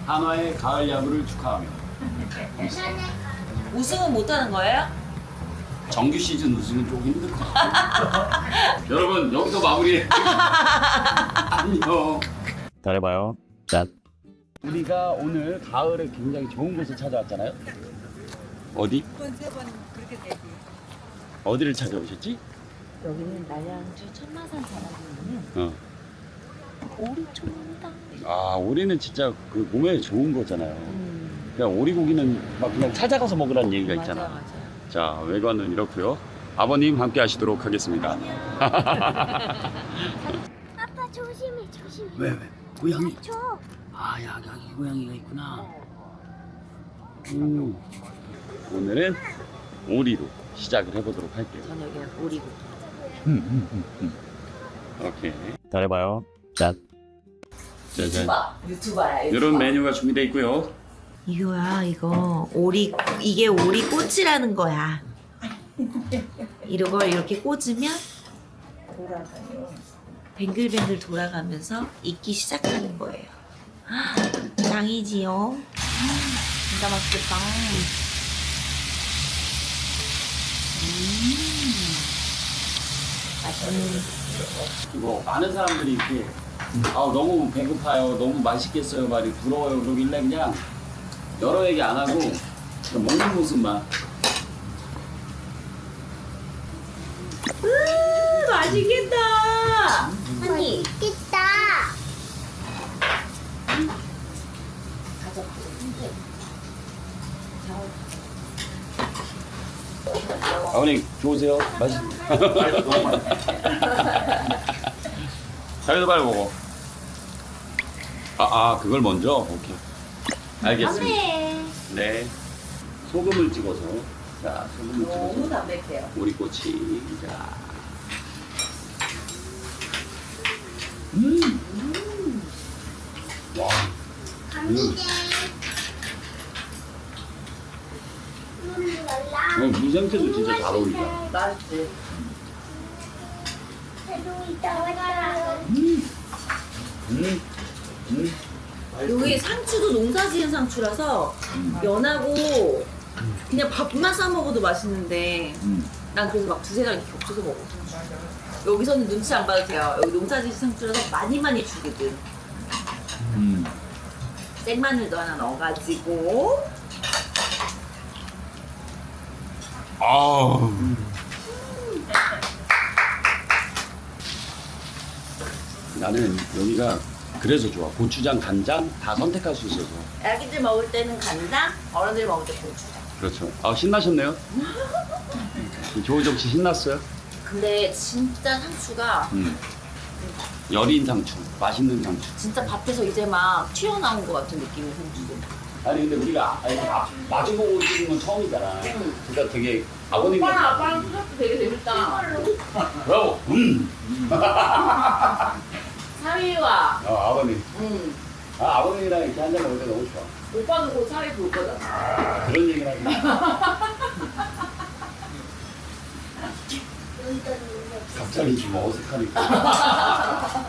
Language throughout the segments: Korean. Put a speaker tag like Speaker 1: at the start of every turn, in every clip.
Speaker 1: 한화의 가을 야구를 축하하며
Speaker 2: 우승은 못하는 거예요?
Speaker 1: 정규 시즌 우승은 좀 힘들 것 같아요. 여러분 여기서 마무리. 안녕.
Speaker 3: 잘해봐요. 짠.
Speaker 1: 우리가 오늘 가을에 굉장히 좋은 곳을 찾아왔잖아요. 어디? 어디를 찾아오셨지?
Speaker 2: 여기는 남양주 천마산 자락에 있는
Speaker 1: 어.
Speaker 2: 오리초입니다.
Speaker 1: 아 오리는 진짜 그 몸에 좋은 거잖아요. 그냥 오리고기는 막 그냥 찾아가서 먹으라는 얘기가 있잖아.
Speaker 2: 맞아.
Speaker 1: 자 외관은 이렇고요. 아버님 함께 하시도록 하겠습니다.
Speaker 4: 아빠 조심해.
Speaker 1: 왜? 고양이?
Speaker 4: 저
Speaker 1: 아 여기 고양이가 있구나. 오늘은 오리로 시작을 해보도록 할게요.
Speaker 2: 저녁에는 오리고기.
Speaker 1: 오케이.
Speaker 3: 잘해봐요. 짠.
Speaker 1: 짜잔.
Speaker 2: 유튜버야.
Speaker 1: 이런 메뉴가 준비되어 있고요.
Speaker 2: 이거야 이거 오리 이게 오리 꼬치라는 거야. 이걸 이렇게 꽂으면 뱅글뱅글 돌아가면서 익기 시작하는 거예요. 짱이지요. 진짜 맛있겠다. 맛있는.
Speaker 1: 이거 많은 사람들이 이렇게 너무 배고파요, 너무 맛있겠어요, 말이 부러워요 그러길래 그냥 여러 얘기 안 하고 그냥 먹는 모습만.
Speaker 2: 맛있겠다.
Speaker 4: 언니 있겠다.
Speaker 1: 아버님 좋으세요? 맛있. 자기도 빨리 먹어. 그걸 먼저? 오케이. 알겠습니다. 네. 소금을 찍어서. 자, 소금을
Speaker 2: 너무
Speaker 1: 찍어서.
Speaker 2: 담백해요.
Speaker 1: 오리꼬치. 자. 와.
Speaker 4: 감기제.
Speaker 1: 무생채도 진짜 잘 어울린다.
Speaker 2: 맛있지.
Speaker 4: 새로 있다 왔다.
Speaker 2: 여기 상추도 농사 지은 상추라서 연하고 그냥 밥만 싸 먹어도 맛있는데 난 그래서 막 두세 장 겹쳐서 먹어. 여기서는 눈치 안 봐도 돼요. 여기 농사 지은 상추라서 많이 주거든. 생마늘도 하나 넣어가지고
Speaker 1: 나는 여기가 그래서 좋아. 고추장, 간장 다 선택할 수 있어서.
Speaker 2: 애기들 먹을 때는 간장, 어른들 먹을 때 고추장.
Speaker 1: 그렇죠. 신나셨네요. 조우정 씨 신났어요?
Speaker 2: 근데 진짜 상추가
Speaker 1: 여린 상추, 맛있는 상추.
Speaker 2: 진짜 밭에서 이제 막 튀어나온 것 같은 느낌의 상추.
Speaker 1: 아니 근데 우리가 마주보고 찍은 건 처음이잖아. 그러니까 되게 아버님이.
Speaker 2: 아빠랑 수작도 되게 재밌다.
Speaker 1: 브라보.
Speaker 2: 사위와
Speaker 1: 아버님. 아버님이랑 이렇게 한잔 먹을 때 너무 좋아.
Speaker 2: 오빠는 곧 사위 볼 거잖아.
Speaker 1: 그런 얘기를 하지. 갑자기 좀 어색하니까.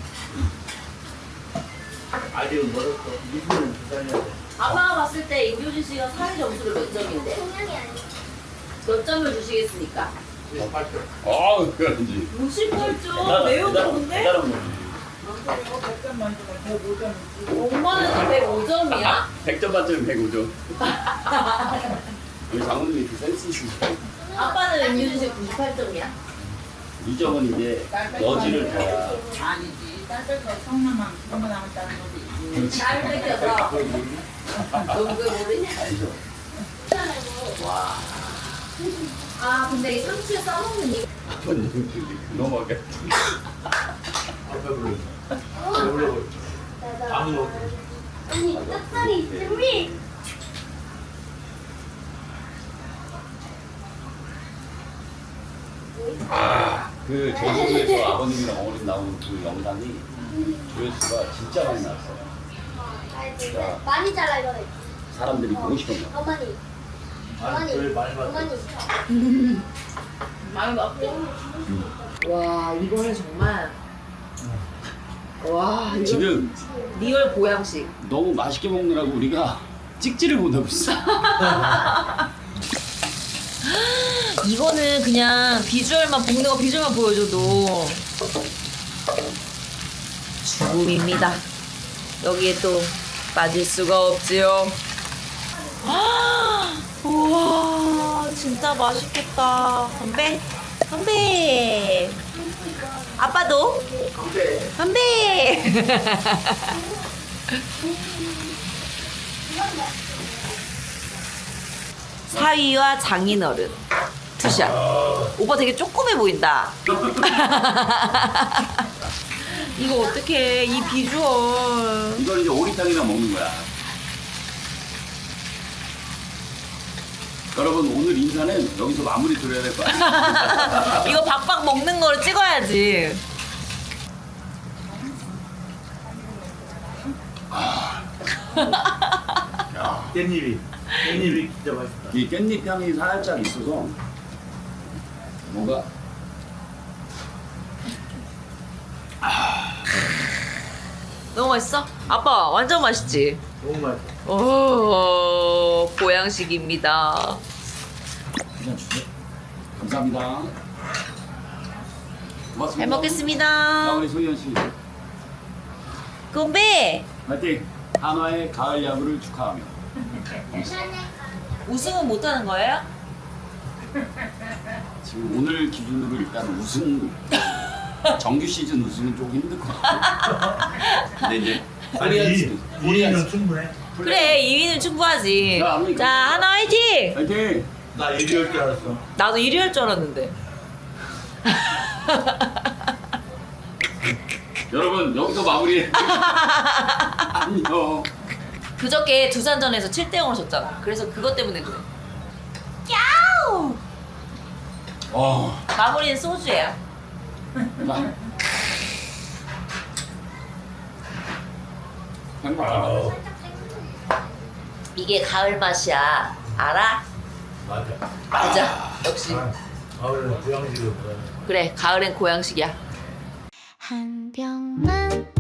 Speaker 2: 아빠가 봤을 때 임효진 씨가 사위 점수를 몇 점인데?
Speaker 4: 동양이 아니야.
Speaker 2: 몇 점을 주시겠습니까?
Speaker 1: 그런지.
Speaker 2: 68점? 매우 높은데?
Speaker 1: 다른 거지.
Speaker 2: 엄마는 105점이야?
Speaker 1: 100점 만점에 105점. 우리 장모님이 그 센스 있으시고.
Speaker 2: 아빠는 임효진 씨 98점이야?
Speaker 1: 이 점은 이제 여지를 더.
Speaker 5: 성남만 한번 남았다는 거지.
Speaker 2: 날 뺏겨서 너 그걸 모르냐? 아 근데 이 상추에 싸먹는 이
Speaker 1: 아버님 넘어가.
Speaker 4: 언니 떡살이 있으니.
Speaker 1: 그 제주도에서 아버님이랑 어머님 나온 그 영상이 조회수가 진짜 많이 나왔어요. 자.
Speaker 4: 많이 잘라 이거는.
Speaker 1: 사람들이 보고 싶었나 봐.
Speaker 4: 어머니. 어머니. 어머니.
Speaker 2: 많이 먹고 와 이거는 정말 와 이거
Speaker 1: 지금
Speaker 2: 리얼 보양식.
Speaker 1: 너무 맛있게 먹느라고 우리가 찍지를 못하고 있어.
Speaker 2: 이거는 그냥 비주얼만 볶는 거 비주얼만 보여줘도 죽음입니다. 여기에 또 빠질 수가 없지요. 우와 진짜 맛있겠다. 건배 건배. 아빠도 건배. 사위와 장인어른 투샷. 오빠 되게 조그매 보인다. 이거 어떡해 이 비주얼.
Speaker 1: 이걸 이제 오리탕이랑 먹는 거야. 여러분 오늘 인사는 여기서 마무리 드려야 될 것 같아요.
Speaker 2: 이거 박박 먹는 거를 찍어야지.
Speaker 6: 깻잎이 진짜 맛있다.
Speaker 1: 이 깻잎 향이 살짝 있어서 뭔가
Speaker 2: 너무 맛있어? 아빠 완전 맛있지?
Speaker 6: 너무 맛있어.
Speaker 2: 오 보양식입니다.
Speaker 1: 그냥 주세요. 감사합니다. 고맙습니다.
Speaker 2: 잘
Speaker 1: 자,
Speaker 2: 먹겠습니다.
Speaker 1: 우리 소희연 씨
Speaker 2: 건배.
Speaker 1: 파이팅! 한화의 가을 야구를 축하하며
Speaker 2: 우승은 못하는 거예요?
Speaker 1: 지금 오늘 기준으로 일단 우승 정규 시즌 우승은 조금 힘들 것 같아요. 근데 이제
Speaker 6: 우리는 충분해.
Speaker 2: 그래 2위는 충분하지.
Speaker 1: 야, 아버님.
Speaker 2: 자 하나 화이팅.
Speaker 1: 파이팅!
Speaker 6: 나 1위일 줄 알았어.
Speaker 2: 나도 1위 할 줄 알았는데.
Speaker 1: 여러분 여기서 마무리해. 안녕.
Speaker 2: 그저께 두산전에서 7대0으로 졌잖아. 그래서 그것 때문에 그래. 야우! 마무리는 소주예요.
Speaker 1: 자. 행복하다.
Speaker 2: 이게 가을 맛이야. 알아?
Speaker 6: 맞아.
Speaker 2: 맞아. 역시.
Speaker 6: 가을은 고양식을 먹어야 돼.
Speaker 2: 그래 가을엔 고양식이야.
Speaker 7: 한 병만